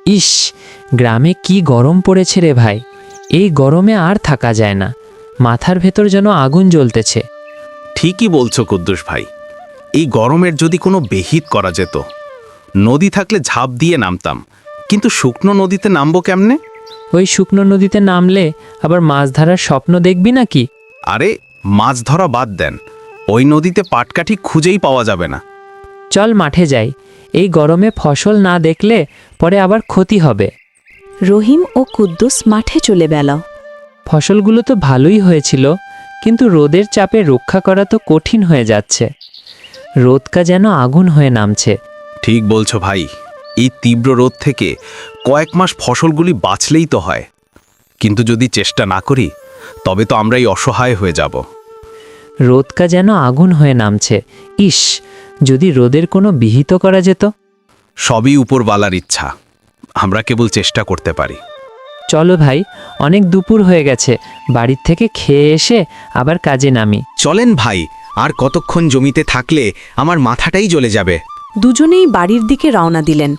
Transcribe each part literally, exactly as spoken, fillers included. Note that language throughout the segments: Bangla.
ইস, গ্রামে কি গরম পড়েছে রে ভাই। এই গরমে আর থাকা যায় না, মাথার ভেতর যেন আগুন জ্বলতেছে। ঠিকই বলছো কুদ্দুস ভাই, এই গরমের যদি কোনো বেহিত করা যেত। নদী থাকলে ঝাঁপ দিয়ে নামতাম, কিন্তু শুকনো নদীতে নামবো কেমনে? ওই শুকনো নদীতে নামলে আবার মাছ ধরার স্বপ্ন দেখবি নাকি? আরে মাছ ধরা বাদ দেন, ওই নদীতে পাটকাঠি খুঁজেই পাওয়া যাবে না। চল মাঠে যাই, এই গরমে ফসল না দেখলে পরে আবার ক্ষতি হবে। রহিম ও কুদ্দুস মাঠে চলে গেল। ফসলগুলো তো ভালোই হয়েছিল, কিন্তু রোদের চাপে রক্ষা করা তো কঠিন হয়ে যাচ্ছে। রোদকা যেন আগুন হয়ে নামছে। ঠিক বলছো ভাই, এই তীব্র রোদ থেকে কয়েক মাস ফসলগুলি বাঁচলেই তো হয়, কিন্তু যদি চেষ্টা না করি তবে তো আমরাই অসহায় হয়ে যাব। রোদকা যেন আগুন হয়ে নামছে। ইস, যদি রোদের কোনো বিহিত করা যেত। সবই উপরওয়ালার ইচ্ছা, আমরা কেবল চেষ্টা করতে পারি। চলো ভাই, অনেক দুপুর হয়ে গেছে, বাড়ির থেকে খেয়ে এসে আবার কাজে নামি। চলেন ভাই, আর কতক্ষণ জমিতে থাকলে আমার মাথাটাই জ্বলে যাবে। দুজনেই বাড়ির দিকে রওনা দিলেন।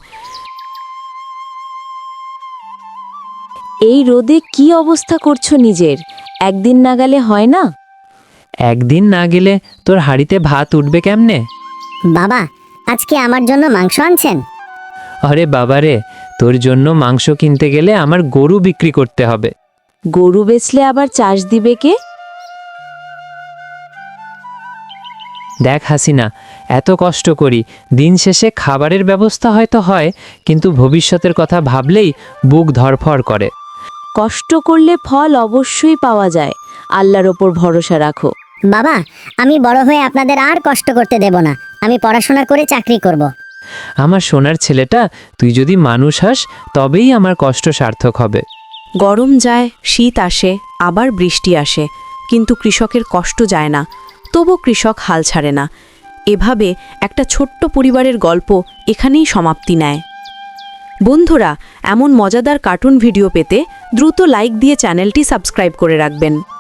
এই রোদে কি অবস্থা করছো নিজের? একদিন না গেলে হয় না? একদিন না গেলে তোর হাঁড়িতে ভাত উঠবে কেমনে? বাবা, আজকে আমার জন্য মাংস আনছেন? আরে বাবারে, তোর জন্য মাংস কিনতে গেলে আমার গরু বিক্রি করতে হবে। গরু বেচলে আবার চাষ দিবে কে? দেখ হাসিনা, এত কষ্ট করি, দিন শেষে খাবারের ব্যবস্থা হয়তো হয়, কিন্তু ভবিষ্যতের কথা ভাবলেই বুক ধড়ফড় করে। কষ্ট করলে ফল অবশ্যই পাওয়া যায়, আল্লাহর ওপর ভরসা রাখো। বাবা, আমি বড় হয়ে আপনাদের আর কষ্ট করতে দেব না। আমি পড়াশোনা করে চাকরি করব। আমার সোনার ছেলেটা, তুই যদি মানুষ হাস তবেই আমার কষ্ট সার্থক হবে। গরম যায়, শীত আসে, আবার বৃষ্টি আসে, কিন্তু কৃষকের কষ্ট যায় না। তবু কৃষক হাল ছাড়ে না। এভাবে একটা ছোট্ট পরিবারের গল্প এখানেই সমাপ্তি নেয়। বন্ধুরা, এমন মজাদার কার্টুন ভিডিও পেতে দ্রুত লাইক দিয়ে চ্যানেলটি সাবস্ক্রাইব করে রাখবেন।